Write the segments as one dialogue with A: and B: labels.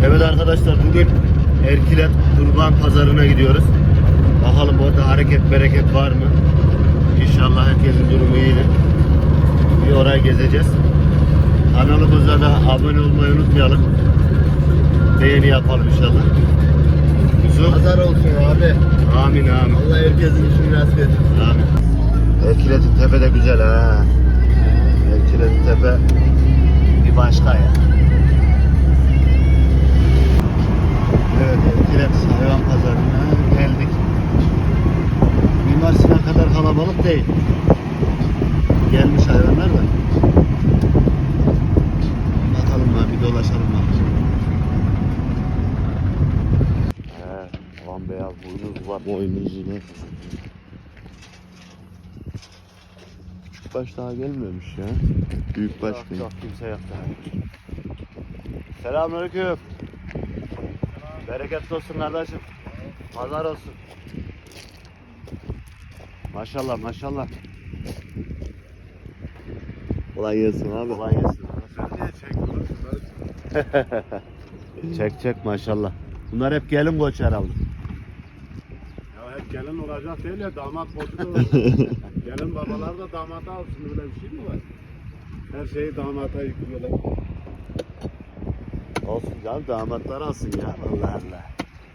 A: Evet arkadaşlar, bugün Erkilet Kurban Pazarı'na gidiyoruz. Bakalım orada hareket bereket var mı? İnşallah herkesin durumu iyidir. Bir orayı gezeceğiz. Kanalımıza da abone olmayı unutmayalım. Beğeni yapalım inşallah. Yusuf.
B: Pazar olsun abi.
A: Amin amin.
B: Allah herkesin işini rast etsin.
A: Amin. Erkilet'in tepe de güzel ha. Erkilet'in tepe bir başka ya. Evet, Erkilet hayvan pazarına geldik. Mimar Sinan kadar kalabalık değil. Gelmiş hayvanlar da. Bakalım lan, bir dolaşalım lan. Aman beyaz boynuz var. Boynuzu ne? Küçük baş daha gelmemiş ya. Büyük baş
B: Yok,
A: geliyor.
B: yok, kimse yok daha.
A: Selamünaleyküm. Bereketli olsun kardeşim. Pazar olsun. Maşallah maşallah. Kolay gelsin abi. Kolay gelsin. Çek çek maşallah. Bunlar hep gelin koç herhalde.
C: Ya hep gelin olacak değil ya, damat koçu da olacak. Gelin babalar da damata alsın, öyle bir şey mi var? Her şeyi damata yüklüyorlar.
A: Olsun canım, damatlar alsın ya. Allah Allah.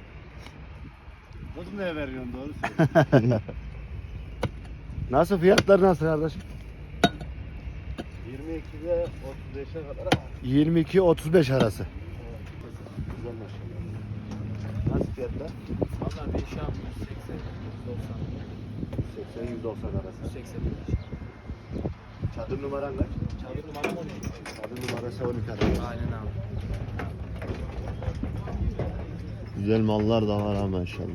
C: Kız ne veriyorsun, doğru söylüyorsun.
A: Nasıl, fiyatlar nasıl kardeşim?
B: 22'de 35'e kadar
A: 22-35 arası. Güzel maşallah. Nasıl fiyatlar?
B: Valla değişen
A: 80-190 arası.
B: 80
A: Çadır numaran kaç?
B: Çadır numaram 12.
A: Çadır numarası 12 arası.
B: Aynen abi.
A: Güzel mallar da var ha maşallah.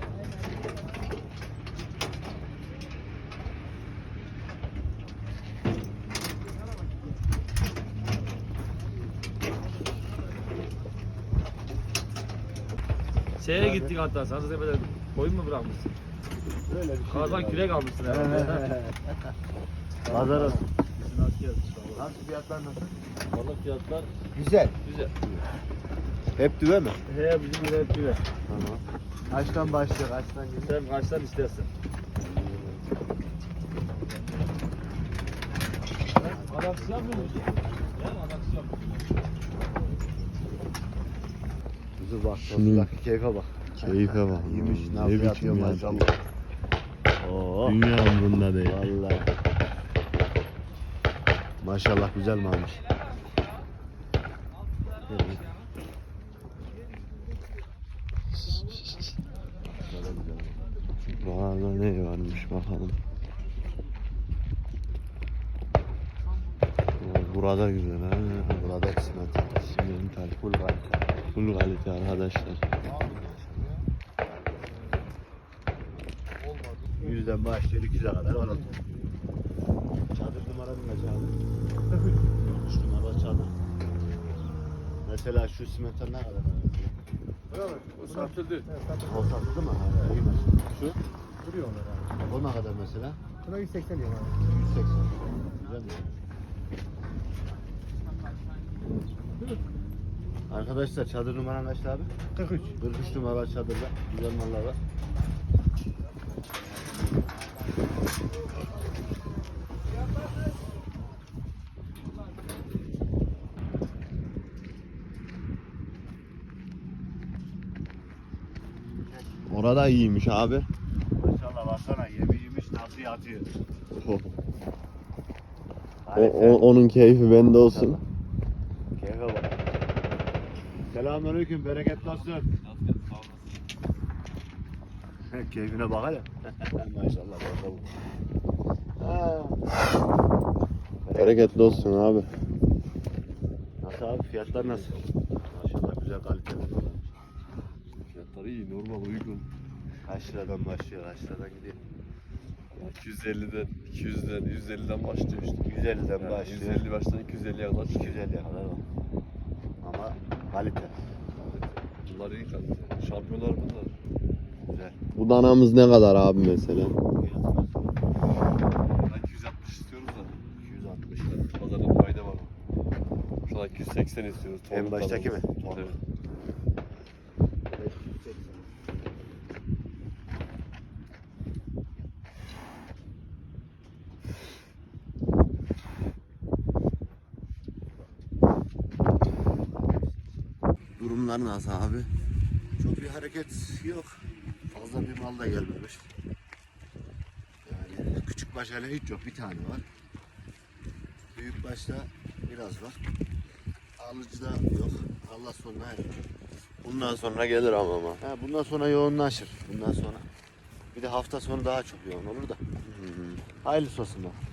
D: Şeye gittik hatta, Sancıtepe'de koyun mu bırakmışsın?
A: Böyle bir şey.
D: Kardan kürek almışsın herhalde.
A: Pazar olsun.
D: Bizim asker işte.
A: Nasıl, fiyatlar nasıl?
D: Valla fiyatlar
A: Güzel.
D: güzel.
A: Hep düve mi?
D: He bizim yine hep güzel.
A: Tamam. Kaçtan başlıyor, kaçtan gidiyor?
D: Sen kaçtan istersen. Adaksi yapmıyor musun? Yani adaksi yapmıyor.
A: Kuzu bak, bak keyfe bak.
E: Keyfe bak.
A: İyiymiş,
E: Ne
A: nasıl
E: biçim
A: yapıyor
E: ya.
A: maşallah. Oo.
E: Dünya umrunda değil.
A: Vallahi. Maşallah güzel malmış.
E: Buralarda ne varmış bakalım. Burada güzel ha.
A: Burada kısmet.
E: Simental full kalite arkadaşlar.
A: Yüzden başlıyor 200'e kadar var. Çadır numaranın kaç abi? 3 numara çadır. Mesela şu simental ne kadar?
C: Evet, o satıldı.
A: O satıldı mı? Ha, iyi mesela. Şu?
B: Duruyor onlar abi.
A: O ne kadar mesela?
B: Buna 180 diyor abi.
A: 180. Güzel mi? Arkadaşlar çadır numaran kaçtı abi?
B: 43.
A: 43 numara çadırda. Güzel mallar var.
E: Orada iyiymiş abi.
A: Maşallah baksana, yemi yemiş nasıl yatıyor.
E: Onun keyfi bende olsun.
A: Keyfe bak. Selamünaleyküm, bereketli olsun. Keyfine bak hele. Maşallah bakalım.
E: Bereketli olsun abi.
A: Nasıl abi, fiyatlar nasıl? Maşallah güzel kaliteli.
E: Fiyatları iyi, normal, uygun.
A: Kaç liradan başlıyor, kaç liradan gidiyor?
E: 250'den, 200'den, 150'den başlıyor işte.
A: 150'den başlıyor.
E: 150 baştan 250'ye kadar.
A: 250'ye kadar var. Ama kalite.
E: Bunlar iyi kalite. Şampiyonlar bunlar.
A: Güzel.
E: Bu danamız ne kadar abi mesela?
C: Ben 260 istiyoruz da.
A: 260 lira.
C: Pazarda fayda var. Şu an 280 istiyoruz.
A: En baştaki mi?
C: Evet.
A: Durumlar nasıl abi? Çok bir hareket yok. Fazla bir mal da gelmemiş. Yani küçük baş hele hiç yok. Bir tane var. Büyük başta biraz var. Alıcı da yok. Allah sonuna erer.
F: Bundan sonra gelir ama.
A: Ha, bundan sonra yoğunlaşır. Bundan sonra. Bir de hafta sonu daha çok yoğun olur da. Hayırlısı olsun bak.